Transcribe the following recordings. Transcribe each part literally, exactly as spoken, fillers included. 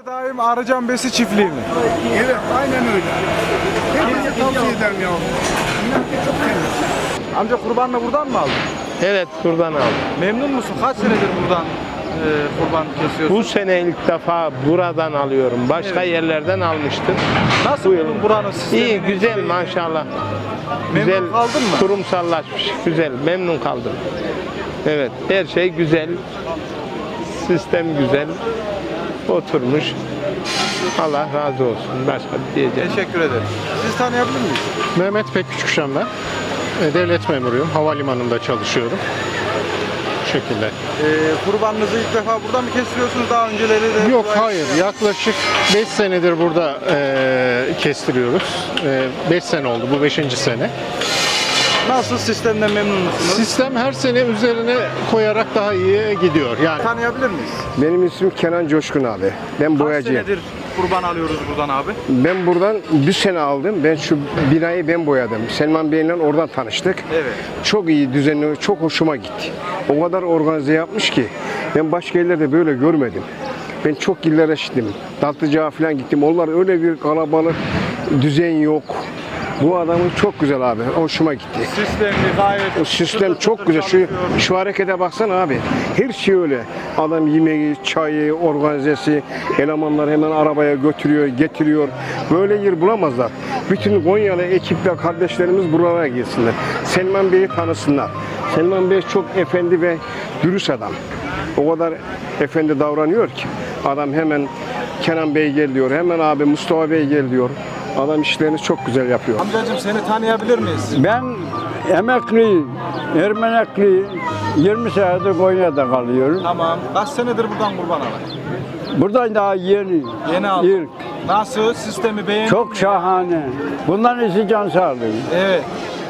Daim Arıcan Besi çiftliği mi? Evet, aynen öyle. Herkese tavsiye ederim ya. İnan ki çok temiz. Amca kurbanını buradan mı aldın? Evet, buradan aldım. Memnun musun? Kaç senedir buradan e, kurban kesiyorsun? Bu sene ilk defa buradan alıyorum. Başka Evet. yerlerden almıştım. Nasıl Bu yıl- buldun buranın sistemini? İyi, güzel şeyini? maşallah. Memnun Güzel, kaldın mı? kurumsallaşmış, güzel, memnun kaldım. Evet, her şey güzel, sistem güzel, oturmuş. Allah razı olsun, başka bir diyeceğim. Teşekkür ederim. Sizi tanıyabilir miyiz? Mehmet Peküçükşen ben. E, Devlet memuruyum. Havalimanında çalışıyorum. Bu şekilde. E, kurbanınızı ilk defa burada mı kestiriyorsunuz? Daha önceleri de... Yok buraya- hayır. Yaklaşık beş senedir burada e, kestiriyoruz. beş sene oldu. Bu beşinci sene. Nasıl, sistemden memnun musunuz? Sistem her sene üzerine koyarak daha iyi gidiyor. Yani Tanıyabilir miyiz? Benim ismim Kenan Coşkun abi. Ben Kaç boyacıyım. senedir kurban alıyoruz buradan abi? Ben buradan bir sene aldım. Ben şu binayı ben boyadım. Selman Bey'le oradan tanıştık. Evet. Çok iyi düzenli, çok hoşuma gitti. O kadar organize yapmış ki ben başka yerlerde böyle görmedim. Ben çok illere gittim. Tatlıcağa falan gittim. Onlar öyle bir kalabalık, düzen yok. Bu adamın çok güzel abi. Hoşuma gitti. Sistemli gayet... O sistem çıtır çok çıtır güzel. Şu, çalışıyor. şu harekete baksana abi. Her şey öyle. Adam yemeği, çayı, organizesi, elemanlar hemen arabaya götürüyor, getiriyor. Böyle yer bulamazlar. Bütün Konyalı ekipler, kardeşlerimiz buralara gelsinler. Selman Bey'i tanısınlar. Selman Bey çok efendi ve dürüst adam. O kadar efendi davranıyor ki. Adam hemen Kenan Bey gel diyor. Hemen abi Mustafa Bey gel diyor. Adam işlerini çok güzel yapıyor. Amcacığım seni tanıyabilir miyiz? Ben emekli, Ermenekli, yirmi senedir Konya'da kalıyorum. Tamam. Kaç senedir buradan kurban alın? Buradan daha yeni, Yeni aldım. ilk. Nasıl? Sistemi beğendin Çok mi? şahane. Bundan iyisi can sağlığı. Evet.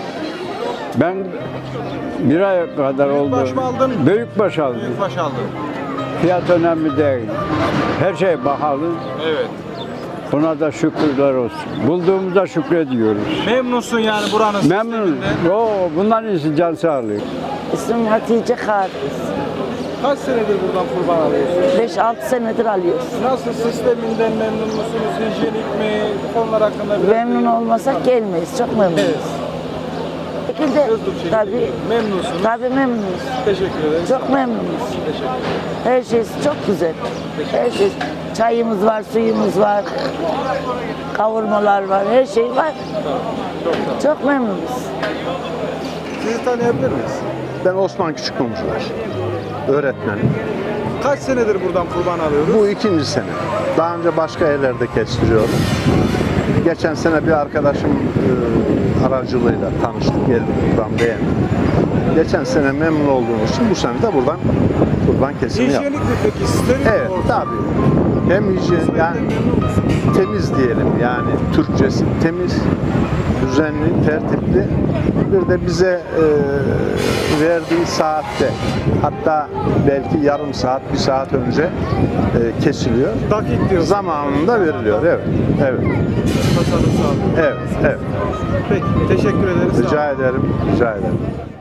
Ben bir ay kadar oldu. Büyükbaş mı aldın? Büyükbaş aldım. Büyükbaş aldın. Fiyat önemli değil. Her şey pahalı. Evet. Buna da şükürler olsun. Bulduğumuza şükrediyoruz. Memnunsun yani buranın Memnun. sisteminden. Oo, bundan iyisi can sağlığı. İsmim Hatice Kariz. Kaç senedir buradan kurban alıyorsun? beş altı senedir alıyoruz. Nasıl, sisteminden memnun musunuz? Hijyenik mi? Bu konular hakkında biraz Memnun bilgi- olmasak gelmeyiz. Çok memnunuz. Evet. Bu şekilde Hızlı bir şekilde tabii, memnunsunuz. tabii memnunuz. Teşekkür ederiz. Çok memnunuz. Teşekkür ederim. Her şey çok güzel. Her şey. Çayımız var, suyumuz var. Kavurmalar var, her şey var. Çok memnunuz. Sizi tanıyabilir miyiz? Ben Osman Küçükmumcular, öğretmenim. Kaç senedir buradan kurban alıyoruz? Bu ikinci sene. Daha önce başka yerlerde kestiriyorum. Geçen sene bir arkadaşım e, aracılığıyla tanıştık, geldik buradan beğendim. Geçen sene memnun olduğumuz için bu sene de buradan kurban kesimi yaptık. Hijyenik mi peki? Steril mi Evet, ortam? tabii. Hem hijyen, yani temiz diyelim, yani Türkçesi temiz, düzenli, tertipli. Bir de bize e, verdiği saatte, hatta belki yarım saat, bir saat önce e, kesiliyor. Dakik diyorsun. Zamanında veriliyor, evet, evet, Tasarruf sağlıyor. evet, evet. Peki, teşekkür ederiz. Sağ olun. Rica ederim, rica ederim.